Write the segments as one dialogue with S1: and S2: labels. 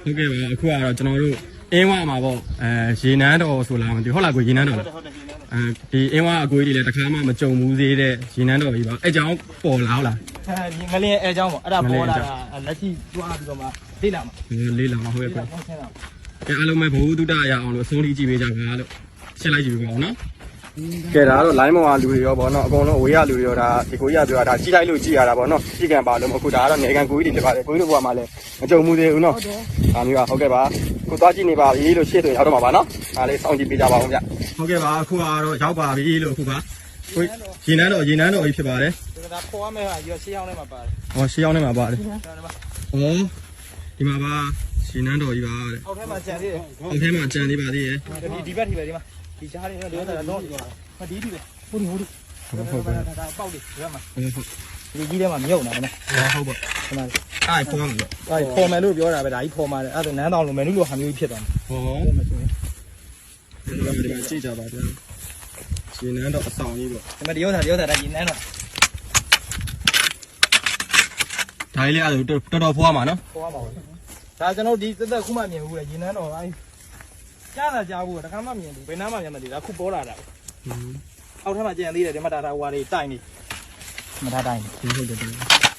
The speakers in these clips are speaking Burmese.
S1: ဟုတ်ကဲ့ပါအခုကတော့ကျွန်တော်တို့အင်းဝမှာပေါ့ရေနန်းတော်ဆိုလားမသိဟုတ်လားကိုရေနန်းတော်လားဒီအင်းဝအကွေးတွေလည်းတစ်ခါမှမကြုံဘူးသေးတဲ့ရေနန်းတော်ကြီးပါအဲ့ကြောင့်ပေါ်လာဟုတ်လား
S2: ဒီငလင်းအဲအကြောင်းပေါ့အဲ့ဒါပေါ်လာတာလက်ရှိတွားပြီးတော့မှလေးလာမှာ
S1: လေးလာမှာဟုတ်ရဲ့ကွကဲအားလုံးပဲဘဝတုဒ္ဒရအောင်လို့အဆုံးထိကြည့်ပေးကြပါလို့ရှင်းလိုက်ကြည့်ပေးပါဦးနော်ကဲဒါကတော့ line ပေါ်ကလူတွေရောဗောနော်အကုန်လုံးအဝေးရလူတွေရောဒါဒီကိုကြီးကပြောတာကြီးလိုက်လို့ကြည့်ရတာဗောနော်ကြီးကံပါလို့အခုဒါကတော့နေကန်ကိုကြီးတွေဖြစ်ပါတယ်ကိုကြီးတို့ဘဝမှာလည်းမကြုံမှုသေးဘူးနော်ဒါမျိုးကဟုတ်ကဲ့ပါကိုသွားကြည့်နေပါပြီလို့ရှေ့ဆိုရောက်တော့မှာပါနော်ဒါလေးစောင့်ကြည့်ပေးကြပါဦးဗျဟုတ်ကဲ့ပါအခုကတော့ရောက်ပါပြီလို့အခုပါကိုရေနန်းတော်ကြီးဖြစ်ပါတယ်
S2: ဒါခေါ်ရမယ့်ဟာရွှေရှေးအောင်ထဲမှာပါတယ်
S1: ဟောရှေးအောင်ထဲမှာပါတယ်ဟောဒီမှာပါရေနန်းတော်ကြီးပါတဲ့
S2: အောက်ထဲမှာကြံသေးတယ်
S1: အောက်ထဲမှာကြံသေးပါသေးရဲ့
S2: ဒီဘက်ထိပဲဒီမှာဒီရှားလေးတော့တော့မဒီဒီပဲဟုတ်တယ်
S1: ဟုတ်ကဲ့
S2: ဒါပေါက်လေးဒီဘက်မှာ
S1: ဟုတ်
S2: ဒီကြီးထဲမှာမြုပ်နေတာနော်
S1: ဟုတ်ပါ
S2: ခဏလေး
S1: အဲ့ဖော်မယ်လို့
S2: အဲ့ဖော်မယ်လို့ပြောတာပဲဒါကြီးဖော်မှာတယ်အဲ့ဒါနန်းတောင်လိုမယ်နုလိုဟာမျိုးကြီးဖြစ်သွားမှာ
S1: ဟောဒီမှာကြည့်ကြပါဗျာရေနန်းတော်အဆောင်ကြီးပေါ့
S2: ဒီမှာဒီဥစ္စာဒါရေနန်းတော်
S1: ဒါလေးအဲ့တော်တော်ဖွားမှာနော်
S2: ဖွားမှာပါဒါကျွန်တော်ဒီသက်ခုမှမြင်ဘူးလေရေနန်းတော်အဲ့ကြားတာကြားဘူးတခါမှမြင်ဘူးဘယ်နားမှမြင်မသိဒါခုပေါ်လာတာအောက်ထပ်မှာကြံသေးတယ်ဒီမှာဒါဟွာတွေတိုင်နေမထားတိုင်
S1: နေဟုတ်တယ်တိုင်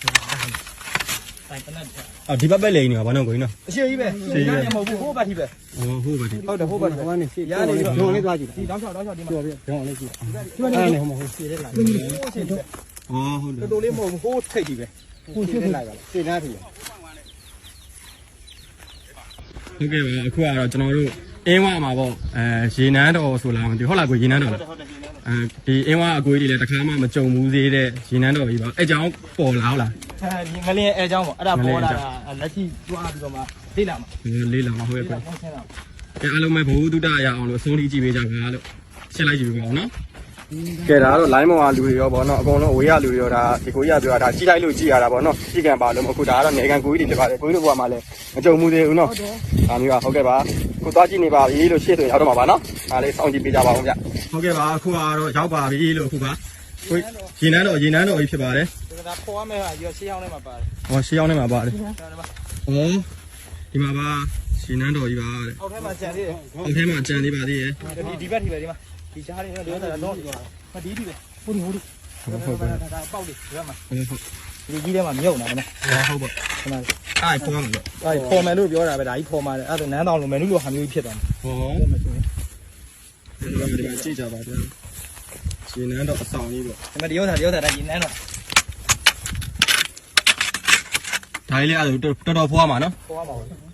S2: ပနတ်
S1: အော်ဒီဘက်ပဲလိန်နေပါဘာလို့ကိုင်းနော်
S2: အရှိကြီးပဲရှင်းရမဟုတ်ဘူးဟိုဘက်ထိပဲ
S1: ဟုတ်ပါပြီ
S2: ဟုတ်တယ်ဟိုဘက်ထိဟိုကနေရနေတော့
S1: ဒေါင်းလေးသွားကြည့်
S2: ဒီတောင်းချောင်းဒီမှာ
S1: ပြောပြဒေါင်းလေးကြည့်
S2: ဒီမှာနေဟိုမှာဟိုရှင်းလိုက်ဟုတ်တယ်
S1: ဟုတ်တယ်
S2: တော်တော်လေးမဟုတ်ဘူးဟိုထိတ်ကြီးပဲဟိုရှင်းလိုက်ပါလားရှင်းသားထိပဲ
S1: ဟုတ်ကဲ့ပါအခုကတော့ကျွန်တော်တို့အင်းဝမှာပေါ့ရေနန်းတော်ဆိုလားမသိဟုတ်လားကိုရေနန်းတော်လားဒီအင်းဝအကွေးတွေလည်းတစ်ခါမှမကြုံဘူးသေးတဲ့ရေနန်းတော်ကြီးပါအဲ့ကြောင့်ပေါ်လာဟုတ်လား
S2: ဒီငလင်းအဲအကြောင်းပေါ့အဲ့ဒါပေါ်လာတာလက်ရှိတွားပြီးတော့မှလေးလာမှာ
S1: လေးလာမှာဟုတ်ရဲ့ကွကဲအားလုံးပဲဘဝတုဒ္ဒရအောင်လို့အဆုံးထိကြည့်ပေးကြပါလို့ရှင်းလိုက်ကြည့်ပေးပါဦးနော်ကဲဒါကတော့ line ပေါ်ကလူတွေရောဗောနော်အကုန်လုံးအဝေးရလူတွေရောဒါဒီကိုကြီးကပြောတာကြီးလိုက်လို့ကြည့်ရတာဗောနော်ကြီးကံပါလို့အခုဒါကတော့နေကန်ကိုကြီးတွေဖြစ်ပါတယ်ကိုကြီးတို့ဘဝမှာလည်းမကြုံမှုသေးဘူးနော်ဒါမျိုးကဟုတ်ကဲ့ပါကိုသွားကြည့်နေပါပြီလို့ရှေ့ဆိုရောက်တော့မှာပါနော်ဒါလေးစောင့်ကြည့်ပေးကြပါဦးဗျဟုတ်ကဲ့ပါအခုကတော့ရောက်ပါပြီလို့အခုပါကိုရေနန်းတော်ကြီးဖြစ်ပါတယ်
S2: ဒါခေါ်ရမယ့်ဟာရွှေရှေးအောင်ထဲမှာပါတယ်
S1: ဟောရှေးအောင်ထဲမှာပါတယ်ဟောဒီမှာပါရေနန်းတော်ကြီးပါတဲ့
S2: အောက်ထဲမှာကြံသေးတယ်
S1: အောက်ထဲမှာကြံသေးပါသေးရဲ့
S2: ဒီဘက်ထိပဲဒီမှာဒီရှားလေးတော့တော့မဒီဒီပဲဟုတ်တယ်ဒါပေါက်လေးဒီဘက်မှာဒီကြီးထဲမှာမြုပ်နေတာနော်
S1: ဟုတ်ပါ
S2: ခဏလေး
S1: အဲ့ဖော်မယ်လို့
S2: အဲ့ဖော်မယ်လို့ပြောတာပဲဒါကြီးဖော်မှာတယ်အဲ့ဒါနန်းတောင်လိုမယ်နုလိုဟာမျိုးကြီးဖြစ်သွားမှာ
S1: ဟောဒီမှာကြည့်ကြပါဗျာရေနန်းတော်အဆောင်ကြီးပေါ့
S2: ဒီမှာဒီဥစ္စာဒါရေနန်းတော်
S1: ဒါလေးအဲ့တော်တော်ဖွားမှာနော်
S2: ဖွားမှာပါ